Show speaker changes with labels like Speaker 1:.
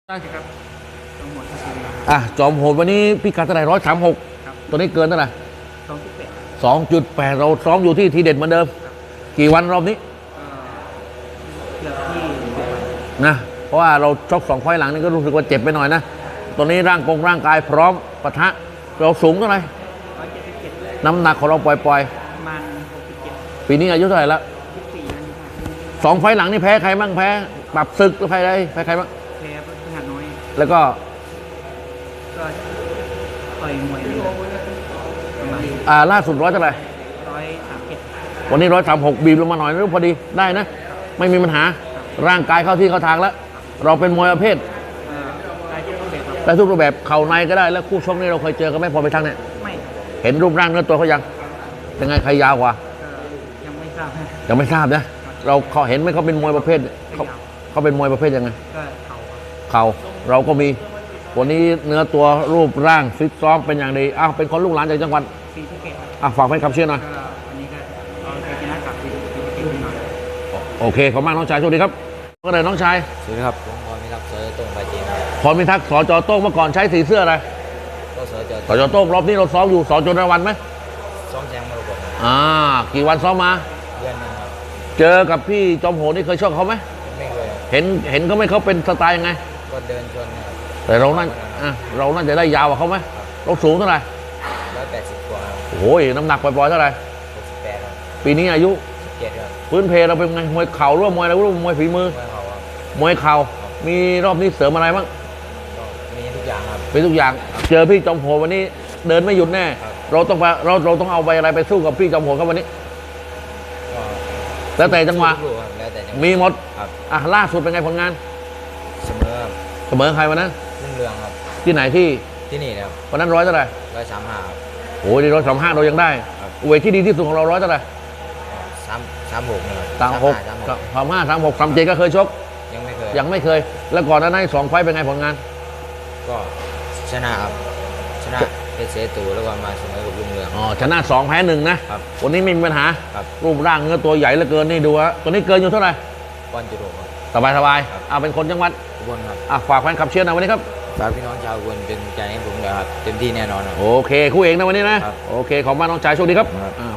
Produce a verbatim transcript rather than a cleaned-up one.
Speaker 1: ได้ครับทั้งหมดก็คือ
Speaker 2: อ่ะจอมโหดวันนี้พี่กัดเท่าไหร่ร้อยสามหก
Speaker 1: ครับ
Speaker 2: ตัวนี้เกินเท่าไหร่
Speaker 1: สองจุดแปด
Speaker 2: สองจุดแปดเราซ้อมอยู่ที่ทีเด็ดเหมือนเดิม กี่วันรอบนี้
Speaker 1: ก็เกือบที่สิบวัน
Speaker 2: นะเพราะว่าเราชกสองไฟล์หลังนี่ก็รู้สึกว่าเจ็บไปหน่อยนะตัวนี้ร่างกงร่างกายพร้อมปะทะเราสูงเท่าไหร่
Speaker 1: ร้อยเจ็ดสิบเจ็ด
Speaker 2: น้ำหนักของเราปล่อย
Speaker 1: ประมาณหกสิบเจ็ด
Speaker 2: ๆปีนี้อายุเท่าไหร่ละ
Speaker 1: ยี่สิบสี่นั่นค่ะ
Speaker 2: สองไฟล์หลังนี่แพ้ใครบ้างแพ้ปรับศึกหรือแพ้ใครแพ้ใครบ้าง
Speaker 1: แพ้พฤหัสน้อย
Speaker 2: แล้วก็
Speaker 1: ก็ต่อยมวยเลยประมาณ
Speaker 2: อ่าล่าสุดร้อยเท่าไหร่
Speaker 1: ร้อยสามเจ็ด
Speaker 2: วันนี้ร้อยสามหกบีบลงมาหน่อยนึกพอดีได้นะ ไม่มีปัญหาร่างกายเข้าที่เข้าทางแล้ว เราเป็นมวยประเภท
Speaker 1: เอ่อได้ทุกรูปแบบครับ
Speaker 2: ได้ทุกรูปแบบเข่าในก็ได้แล้วคู่ชกนี่เราเคยเจอกันไหมพอไปทางเนี่ย
Speaker 1: ไม่
Speaker 2: เห็นรูปร่างเนื้อตัวเขายังยังไงใครยาวกว่า
Speaker 1: ก็ยังไม่ทราบนะ
Speaker 2: ยังไม่ทราบนะเราเขาเห็นไหมเขาเป็นมวยประเภทเขาเขาเป็นมวยประเภทยังไง
Speaker 1: ก็เข่าครับ
Speaker 2: เข่าเราก็มีวันนี้เนื้อตัวรูปร่างฟิตซ้อมเป็นอย่างดีอ้าวเป็นคนลูกหลานจากจังหวัด
Speaker 1: ซีสะเกตครับ
Speaker 2: อ่ะฝากให้คำเชื่อหน่อย
Speaker 1: ก็วันนี้ก็เอาชัยชนะกลับซีสะเกตหน่อย
Speaker 2: โอเคขอบคุณมากน้องชายโชคดีครับก็เลยน้องชาย
Speaker 3: สวัสดีครับผมพรมิทักษ์เสือโต้งไปจีนครับ
Speaker 2: พรพิทักษ์สจโต้งเมื่อก่อนใช้สีเสื้ออะไร
Speaker 3: ก็เสือเจอ
Speaker 2: สจโต้งรอบนี้เราซ้อมอยู่สจนวันไหม
Speaker 3: ซ้อมแชมป์มรกตครับ
Speaker 2: อ่ากี่วันซ้อมมา
Speaker 3: เดือนหนึงครับ
Speaker 2: เจอกับพี่จอมโหดนี่เคยชกเขาไหม
Speaker 3: ไม่เคย
Speaker 2: เห็นเห็นเขาไหมเขาเป็นสไตล์ยังไง
Speaker 3: ก็เดินชนครับ
Speaker 2: แต่เรานั่นอ่ะเราน่าจะได้ยาวกว่าเขาไหมเราสูงเท่าไหร่
Speaker 3: ร้อยแปดสิบกว่าครับ
Speaker 2: โอ้ยน้ำหนักปล่อยๆเท่าไหร่
Speaker 3: หกสิบแปดครับ
Speaker 2: ปีนี้อายุ
Speaker 3: สิบเจ็ดครับ
Speaker 2: พื้นเพเราเป็นไงมวยเข่าหรือว่ามวยอะไรหรือว่ามวยฝีมือ
Speaker 3: เมื่อเขาครับ
Speaker 2: มวยเข่ามีรอบนี้เสริมอะไรบ้าง
Speaker 3: ก็มีทุกอย่างครับ
Speaker 2: เป็นทุกอย่างเจอพี่จอมโหดวันนี้เดินไม่หยุดแน่
Speaker 3: ครับ
Speaker 2: เราต้องไปเราเราต้องเอาไปอะไรไปสู้กับพี่จอมโหดครับวันนี้
Speaker 3: ก็
Speaker 2: แล้วแต่จังหวะ
Speaker 3: สู้ครับแล้วแต่จังหวะ
Speaker 2: มีหมด
Speaker 3: ครับ
Speaker 2: อ่ะล่าสุดเป็นไงผลงาน
Speaker 3: เสมอครับ
Speaker 2: เสมอใครวันนั้น
Speaker 3: รุ่งเรืองครับ
Speaker 2: ที่ไหนที่
Speaker 3: ที่นี่นะครับ
Speaker 2: วันนั้นร้อยเท่าไหร่
Speaker 3: ร้อยสามห้าครับ
Speaker 2: โอ้ยร้อยสามห้าเรายังได้
Speaker 3: ครับ
Speaker 2: เวทที่ดีที่สุดของเราร้อยเท่าไหร่
Speaker 3: สามสามหกนะครับ
Speaker 2: สามหก
Speaker 3: สามหก
Speaker 2: สามห้าสามหกสามเจ็ดก็เคยชก
Speaker 3: ยังไม่เคย
Speaker 2: ยังไม่เคย แล้วก่อนหน้านั้นสองไฟต์เป็นไงผลงาน
Speaker 3: ก็ชนะครับชนะเพชรเสตูแล้วก็มาเสมอกับรุ่งเรือง
Speaker 2: อ๋อชนะสองแพ้หนึ่งนะครับ วันนี้ไม่มีปัญหา
Speaker 3: ครับ
Speaker 2: รูปร่างเนื้อตัวใหญ่เหลือเกินนี่ดูฮะตัวนี้เกินอยู่เท่าไหร่
Speaker 3: ก้อนจุดหกครับ
Speaker 2: สบายสบาย
Speaker 3: ครับ
Speaker 2: เอาเป็นคนจังหวัด
Speaker 3: อุบลครับ
Speaker 2: อ่ะฝากแฟนคลับเชียร์หนะวันนี้ครับ
Speaker 3: ฝากพี่น้องชาวอุบลเป็นกำลังใจให้ผมด้วยครับเต็มที่แน่นอนครับ
Speaker 2: โอเคคู่เอกนะวันนี้นะครับ โอเคขอบคุณมากน้องชายโชคดีครับ
Speaker 3: ครับ
Speaker 2: อ่า